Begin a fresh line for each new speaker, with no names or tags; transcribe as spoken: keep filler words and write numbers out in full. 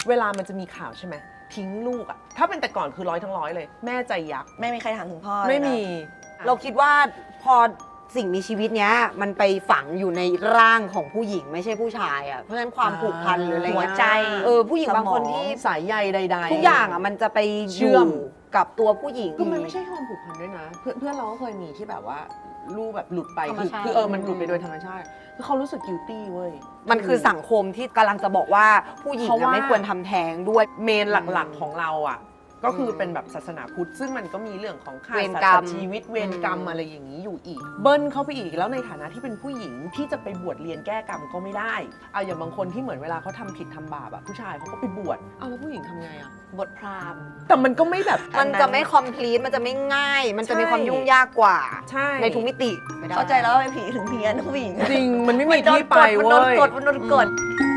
เวลามันจะมีข่าวใช่ไหมทิ้งลูกอะถ้าเป็นแต่ก่อนคือร้อยทั้งร้อยเลยแม่ใจยักษ์
ไม่มีใครถามถึงพ่อ
ไม่มี
เราคิดว่าพอสิ่งมีชีวิตเนี้ยมันไปฝังอยู่ในร่างของผู้หญิงไม่ใช่ผู้ชายอ่ะเพราะฉะนั้นความผูกพันหรืออะไร
หัว
เงี้ย
ใจ
เออผู้หญิงบางคนที่
สายใยใดๆ
ทุกอย่างอ่ะมันจะไป
เชื่อม
ยู่กับตัวผู้หญิง
คือมันไม่ใช่ความผูกพันด้วยนะ เพื่อนเพื่อนเราก็เคยมีที่แบบว่าลูกแบบหลุดไป
ธรรม
คือ
ชาติ
คือเออมันหลุดไปโดยธรรมชาติคือเขารู้สึก guilty เว้ย
มันคือสังคมที่กำลังจะบอกว่าผู้หญิง
เพราะ
อะ
ว่า
ไม่ควรทำแท้งด้วย
เมนหลักๆของเราอ่ะก็คือเป็นแบบศาสนาพุทธซึ่งมันก็มีเรื่องของฆ่า
เวร
สัต
กรรม
ว์ชีวิตเวรกรรมอะไรอย่างนี้อยู่อีก เบิ้ลเข้าไปอีกแล้วในฐานะที่เป็นผู้หญิงที่จะไปบวชเรียนแก้กรรมก็ไม่ได้เอาอย่างบางคนที่เหมือนเวลาเขาทำผิดทำบาปอะผู้ชายเขาก็ไปบวชเอาแล้วผู้หญิงทำไงอะ
บทพราหมณ์
แต่มันก็ไม่แบบ
มันจะไม่คอมพลีทมันจะไม่ง่าย มันจะมี
ใช่
ความยุ่งยากกว่า
ใช่
ในทุกมิติไม่ได้
เข้าใจแล้วว่าเป็นผีถึงเพี้ยนผู้หญิง
จริงมันไม่มีที่ไป
มัน
เว้
โดน
ย
กดมันโดนกดมันโดนกด